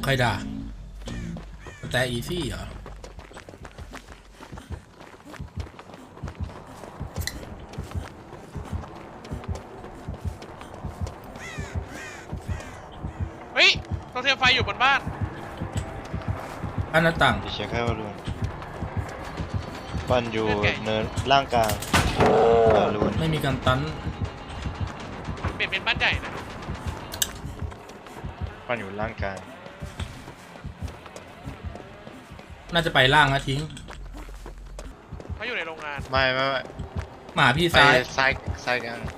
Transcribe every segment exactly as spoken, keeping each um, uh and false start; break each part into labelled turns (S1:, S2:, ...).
S1: ใครด่าแต่อีซี่เหรอ
S2: เฮ้ยโทรเทมไฟอยู่บนบ้าน
S1: อันหน้าต่าง
S3: ดิเช็คให้ว่ารูนปั้นอยู่เนินล่างกลางรูน
S1: ไม่มีการตัน
S2: เปลี่ยนเป็นบ้านใหญ่นะ
S3: ปั้นอยู่ล่างกลาง
S1: น่าจะไปล่างนะทิ้ง
S2: เขาอยู่ในโรงงาน
S3: ไม่ไม่ไม่
S1: หมาพี่
S3: ไป
S1: ซ้าย
S3: ซ้ายซ้ายกลาง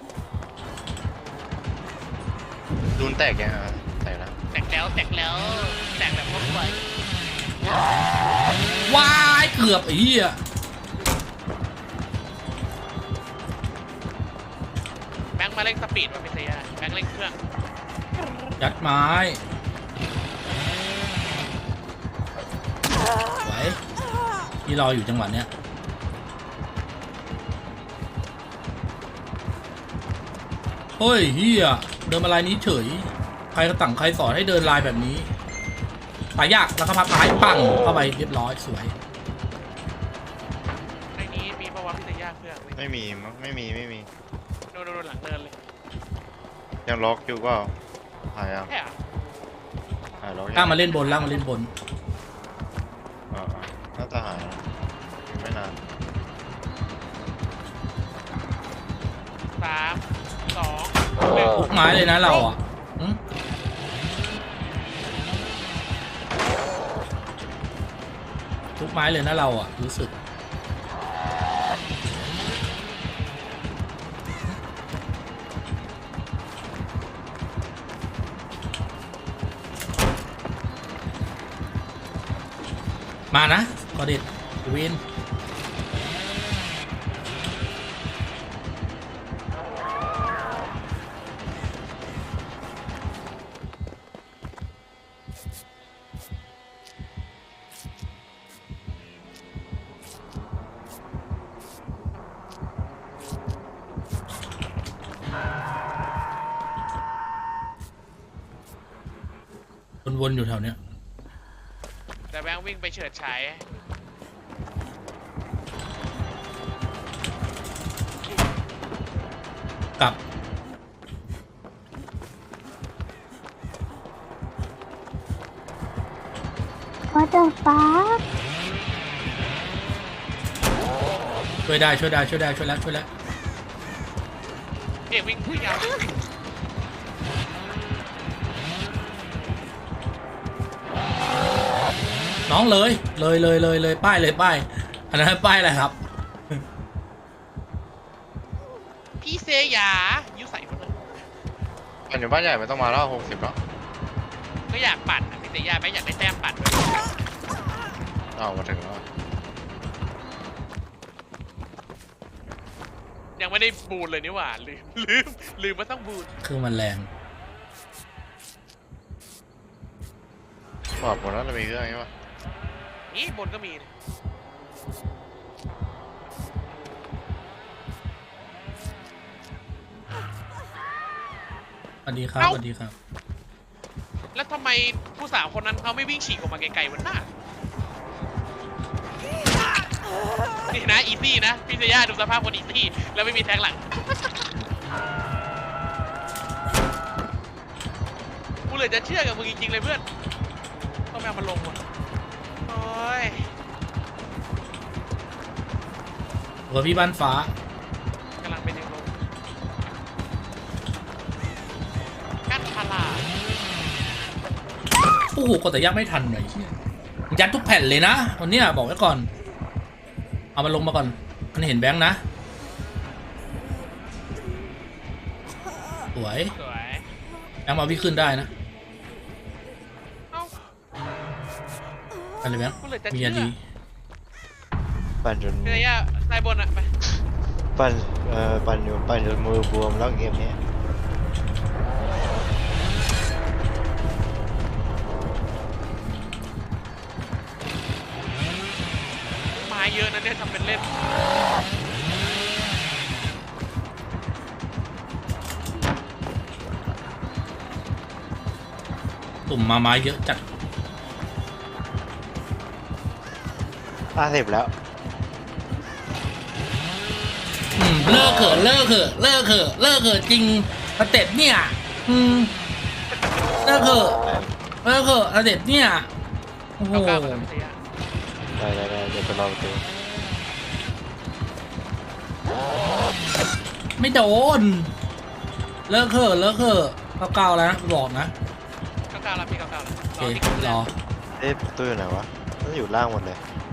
S3: รูนแตกยังอ่ะแตกแล้ว
S2: แตกแล้วแตกแล้วแตกแบบพวกไฟ
S1: ว้ายเกือบไอ้เหี้ย
S2: แบงค์มาเร่งสปีดมาเป็นเซียแบงค์เร่งเครื่อง
S1: ยัดไม้ไหวพี่รออยู่จังหวะเนี้ยเฮ้ยเฮียเดินมาลายนี้เฉยใครก็ตั้งใครสอนให้เดินลายแบบนี้ตายยากแล้วก็พับท้ายปังเข้าไปเรียบร้อยสวย
S2: ในนี้มีประวัติพิเศษเครื่อง
S3: ไม่มีมั้งไม่มีไม่มี
S2: โดนโดนหลังเดินเลย
S3: ยังล็อกอยู่ก็หายยัง
S2: แค่
S3: หายล็อก
S1: ล่างมาเล่นบนล่างมาเล่นบน
S3: อ่าน่าจะหายแล้วไม่นาน
S2: สามสองหนึ่ง
S1: ทุกไม้เลยนะเราอ่ะหึทุกไม้เลยนะเราอ่ะรู้สึกมานะกอเด็ดวินวนๆอยู่แถวเนี้ย
S2: แต่แบงค์วิ่งไปเฉิดฉาย
S1: กลับ
S4: What the fuck
S1: ช่วยได้ช่วยได้ช่วยได้ช่วยแล้วช่วยแล้ว
S2: เอกวิ่งวิ่งยาว
S1: น้องเลยเลยเลยเลยเลยป้ายเลยป้ายอันนั้นป้ายอะไรครับ
S2: พี่เซยายุใส่คนเลย
S3: ปั้นอยู่บ้านใหญ่ไม่ต้องมาแล้วหกสิบแล้ว
S2: ก็อยากปั่นพี่เซยาแบงค์อยากได้แต้มปั่นด้วย
S3: อ้าวมาถึงแล้ว
S2: ยังไม่ได้บูนเลยนี่หว่าลืมลืมลืมว่าต้องบูน
S1: คือมันแรง
S3: บอกหมดแล้วจะมีเครื่องใช่ปะ
S2: นี่บนก็มีนะ
S1: สวัสดีครับสวัสดีครับ
S2: แล้วทำไมผู้สาวคนนั้นเขาไม่วิ่งฉีกออกมาไกลๆวันหน้านี่นะอีซี่นะพี่เซย่าดูสภาพคนอีซี่แล้วไม่มีแทงหลังกูเลยจะเชื่อกับมึงจริงๆเลยเพื่อนต้องแมวมาลงว่ะโอ้ย
S1: หัวพี่บ้านฟ้าก
S2: ำลังไปดึงลงกั้นพารา
S1: โอ้โหกดแต่ยักไม่ทันเลยยัดทุกแผ่นเลยนะวันเนี้ยบอกไว้ก่อนเอามันลงมาก่อนมันเห็นแบงค์นะสวย
S2: สวย
S1: แบงค์มาพี่ขึ้นได้นะ
S2: เอ้า
S1: อะไรแบงค์
S2: กูเลยจะ
S1: มี
S2: เชื่
S1: อั
S2: อน
S1: ดี
S3: ปั่นจน
S2: พี่เซย่าใต้บนอะไป
S3: ปั่นเอ่อปั่นอยู่ปั่นจนมือบวมแล้วเกมนี้
S2: ไม้เยอะนะเนี่ยทำเป็นเล่น
S1: ตุ่มมาไม้เยอะจัด
S3: ห้าสิบแล้ว
S1: อืมเลิกเถอะเลิกเถอะเลิกเถอะเลิกเถอะจริงสเต็ปเนี่ยอืมเลิกเถอะเลิกเถอะสเต็ปเนี่ยโอ้โห
S2: เก้าเก้ากับเสีย
S3: ได้ได้ได้เดี๋ยวไปรอดู
S1: ไม่โดนเลิกเถอะเลิกเถอะเก้าเก้าแล้วนะบอกนะ
S2: เก้าเก้าแล้วพี่เก้าเก้าแล้ว
S1: โอ
S2: รอ
S1: เค
S2: ที่
S1: รอ
S3: เอ๊ะประตู้อยู่ไหนวะต้องอยู่ล่างหมดเลย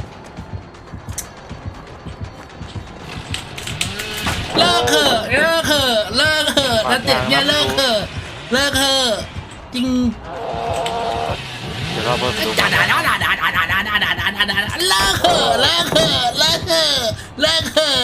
S1: เลิกเถอะเลิกเถอะเลิกเถอะสเต็ปเนี่ยเลิกเถอะเลิกเถอะจริง
S3: เดี๋ยวรอเพิ่มดู
S1: ด่าด่าด่าด่าด่าด่าด่าด่าด่าด่าด่าด่าด่าเลิกเถอะเลิกเถอะเลิกเถอะเลิกเถอะ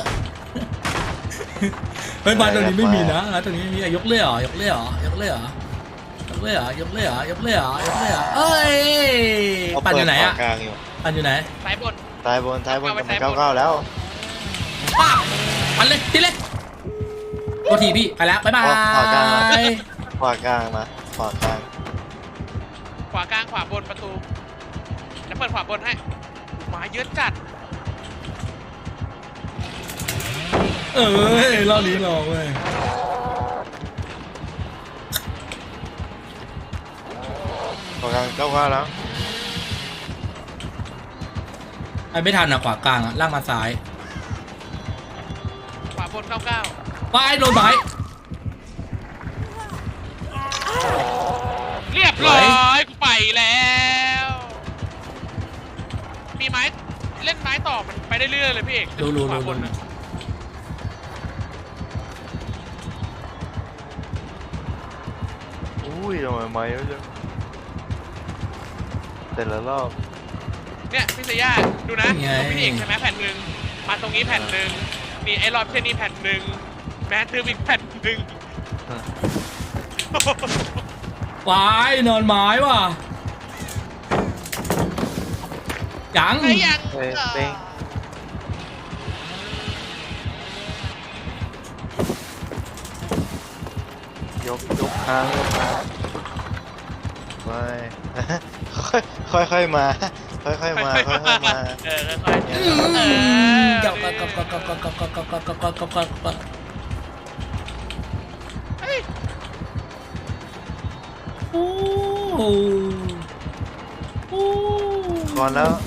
S1: เฮ้ยบ้านตรงนี้ไม่มีนะตรงนี้ไม่มียกเลื่อยเหรอยกเลื่อยเหรอยกเลื่อยเหรอยกเลื่อยเหรอยกเลื่อยเหรอยกเลื่อยเหรอยกเลื่อยเหรอเอ้ย
S3: เขา
S1: ปั่น
S3: เปิ
S1: อ
S3: ด
S1: ยู่ไหน
S3: ข
S1: อะ
S3: วากลางอยู่
S1: ปั่นอยู่ไหน
S2: ซ้ายบน
S3: ซ้ายบนซ้ายบน
S2: เอาไว้
S3: กับมัน
S2: ซ้ายบน
S3: เก้าเก้าแล้ว
S1: ป้าปั่นเลยทีเลยโทษทีพี่ไปแล้วบ๊ายบาย
S3: ขวากลางขวากลางนะขวากลาง
S2: ขวากลางขวาบนประตูแล้วเปิดขวาบนให้หมาเยอะจัด
S1: เอ้ยรอบนี้รอเว้ย
S3: ขวากลางเก้าเก้าแล้ว
S1: ไอ้ไม่ทันอะขวากลางอะล่างมาซ้าย
S2: ขวาบนเก้าเก้า
S1: ไปโดนไม้
S2: เรียบร้อยกูไปแล้ว มีไม้เล่นไม้ต่อมันไปได้เรื่อยเลยพี่เอก
S1: รู้รู้
S2: ขวา
S1: รู้
S2: บน
S1: รู้
S2: นะ
S3: อุ้ยทำไมไม้เยอะจังแต่ละรอบ
S2: เนี่ยพี่เซย่าดูนะตรงพี่เอกใช่ไหมแผ่นหนึ่งมาตรงนี้แผ่นหนึ่งนี่ไอ้รอบเช่นนี้แผ่นหนึ่งแมททึบอีกแผ่นหนึ่ง
S1: วายนอนไม้ว่ะยัง
S2: ไอ้ยัง
S3: เฮ้ยเป้งยกยกค้างยกค้างไม่ ค่อยค่อยค่อยมา ค่อยค่อยมาค่อยค่อยมา
S2: เออค่อยๆ
S1: อืม
S2: เออ
S1: กับกับกับกับกับกับกับกับกับกับกับกับกับกับ
S2: เฮ้ย
S1: โอ้โหโอ้
S3: ก่อนแล้ว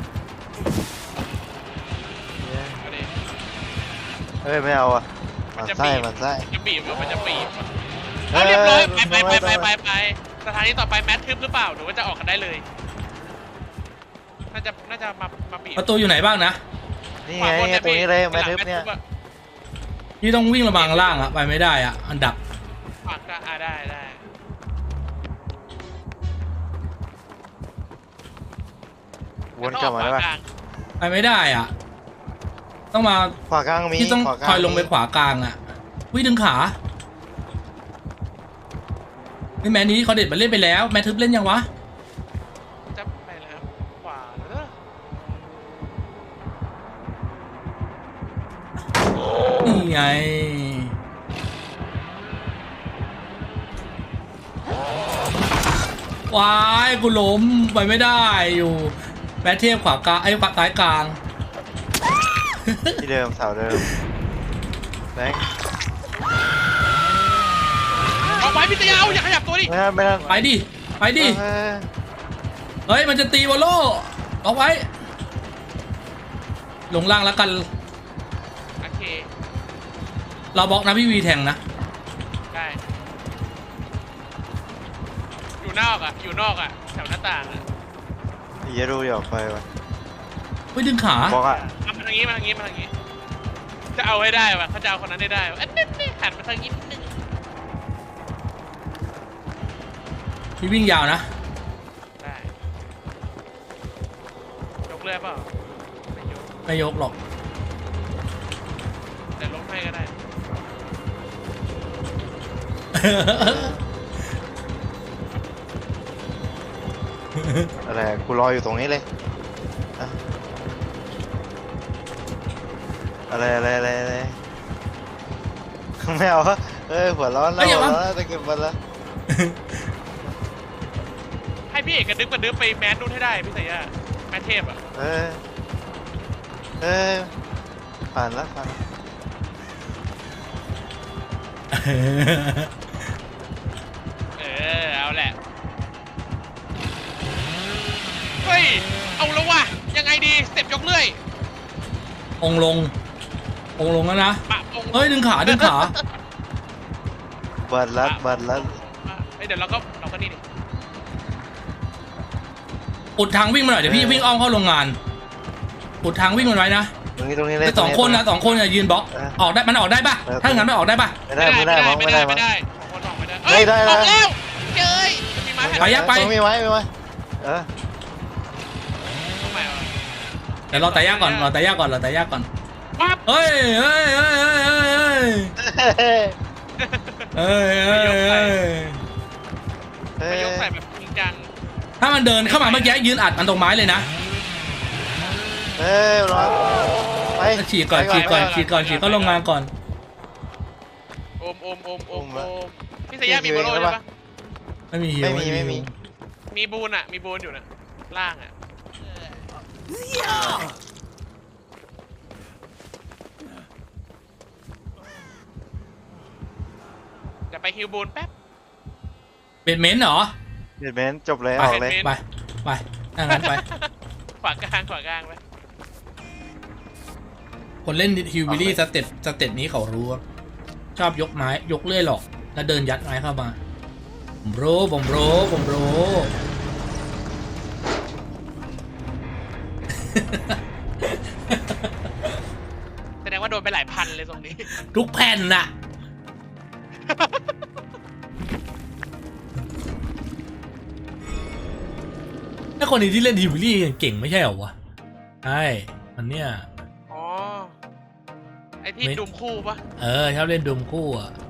S2: เอาดิ
S3: เฮ้ยไม่เอาอ่ะมันไส้มันไส้
S2: จะบีบมันจะบีบ
S3: เอ้
S2: เอา
S3: ย
S2: เรียบร้อย
S3: เอ้
S2: ไป
S3: ย
S2: ไปไป
S3: ไม่
S2: ไป
S3: ไม่
S2: ไปไปสถานีต่อไปแมททึบหรือเปล่าหรือว่าจะออกกันได้เลย น่าจะน่าจะมามาบีบ
S1: ประตูอยู่ไหนบ้างนะ
S3: นี่ไงตรงนี้เลยแมททึบเนี่ย
S1: พี่ต้องวิ่งระบังล่างอะไปไม่ได้อะอันดับ
S2: ขวางก็อ่าได้ได้
S3: วนกลับมาได้ปะ
S2: ขวกลง
S1: ไปไม่ได้อะต้องมา
S3: ขวากลางมี
S1: พี่ต้อง
S3: ขวากลาง
S1: คอยลงไปขวากลางอะวิ่งดึงขานี่แมนนี้เขาเด็ดมาเล่นไปแล้วแมททึบเล่นยังวะ
S2: จะไปแล้วขวาเออ
S1: นี่ไงวายกูล้มไปไม่ได้อยู่แมทเทียบขวากลางไอ้ขวาซ้ายกลาง
S3: ที่เดิมเสาเดิมแบงค์
S2: เอาไว้พี่เตยาอย่าขยับตัวดิ
S3: ไม่ได้ไม่ได้
S1: ไปดิไปดิ
S3: เฮ้ย
S1: เฮ้ยมันจะตีวอลโล่เอาไว้ลงล่างแล้วกัน
S2: โอเค
S1: เราบล็อกนะพี่วีแทงนะ
S2: ได้อยู่นอกอ่ะอยู่นอกอ่ะแถวหน้าต่างอ่ะ
S3: อย่าดูอย่าออกไปวะ
S1: ไปดึงขา
S3: บอกอ่ะ
S2: เอามาทางนี้มาทางนี้มาทางนี้จะเอาให้ได้วะเขาจะเอาคนนั้นได้ได้วะอันนี้นี่หันมาทางนี้นิดนึง
S1: พี่วิ่งยาวนะ
S2: ได้ยกเรือเปล่าไม่ยก
S1: ไม่ยกหรอก
S2: แต่ลงให้ก็ได้
S3: อะไรกูรออยู่ตรงนี้เลยอะอะไรอะไรอะไรอะไรไม่เอาเอ้ยหัวร้อนแล้วหัวร้อนแล้วจะเก็บมันแล้ว
S2: พี่เอกกระดึ๊บกระดึ๊บไปแมสนู่นให้ได้พี่สายาแมสเทพอ่ะ
S3: เออเออผ่านแล้วผ่าน
S2: เออเอาแหละเฮ้ยเอาแล้ววะยังไงดีสเต็ปยกเลื่อย
S1: องค์ลงองค์ลงแล้วนะ
S2: ปะองค์
S1: เฮ้ยดึงขาดึงขา
S3: บัตรลัดบัตรลัด
S2: เฮ้ยเดี๋ยวเราก็เราก็นี่ดิ
S1: อุดทางวิ่งมาหน่อยเดี๋ยวพี่วิ่งอ้อมเข้าโรงงานอุดทางวิ่งมันไว้นะ
S3: ตรงนี้ตรงนี้เลย
S1: แต่สองคนนะสองคนอย่ายืนบล็อกออกได้มันออกได้ปะถ้าอย่างนั้นไม่ออกได้ปะ
S3: ไม่ได้ไม่ได้มั้ง
S2: ไม่
S3: ไม่
S2: ได้
S3: ได้มั้
S2: ไม่
S3: ง
S2: ได้ของคนออกไม่ได้
S3: ไม่ได้
S2: อ
S3: นะ
S2: อกแล้วเจ้ยมันมีไม้แผ่น
S1: ไปยักไป
S3: ตรงมีไว้มีไว้เออ
S2: ตรงไหนวะ
S1: เดี๋ยวรอแต่ยากก่อนรอแต่ยากก่อนรอแต่ยากก่อน
S2: ปั๊บ
S1: เฮ้ยเฮ้ยเฮ้ยเฮ้ยเฮ้ยเฮ้ยเฮ้ยเฮ้ย
S3: เฮ้
S2: มาย
S3: ย
S2: กใส่แบบจริงจัง
S1: ถ้ามันเดินเข้ามาเมื่อกี้ยืนอัดมันตรงไม้เลยนะ
S3: เฮ้ยรอไป
S1: ฉีกก่อนฉีกก่อนฉีกก่อนฉีกเข้าโรงงานก่อน
S2: โอมโอมโอมโอมโอมพี่สายามีโบโลใช่ปะ
S1: ไม่มีหิว
S3: ไม่มีไม่มี
S2: มีบูนอ่ะมีบูนอยู่นะล่างอ่ะจะไปฮิวบูนแป๊บ
S1: เบดเมนต์เหรอ
S3: เดดเมนจบเลย
S1: ไป
S3: ออกเลย
S1: ไปไปถ้างั้นไป
S2: ขวากลางขวากลางไป
S1: คนเล่นฮิวบิลี่สเต็ปสเต็ปนี้เขารู้ครับชอบยกไม้ยกเลื่อยหรอกแล้วเดินยัดไม้เข้ามาผมรู้ผมรู้ผมรู้
S2: แสดงว่าโดนไปหลายพันเลยตรงนี้
S1: ทุกแผ่นน่ะถ้าคนนี้ที่เล่นฮิวบิลี่เก่งไม่ใช่เหรอวะใช่มันเนี่ย
S2: อ๋อ ไอที่
S1: ไม่
S2: ดุมคู่ปะ
S1: เออชอบเล่นดมคู่อ่ะ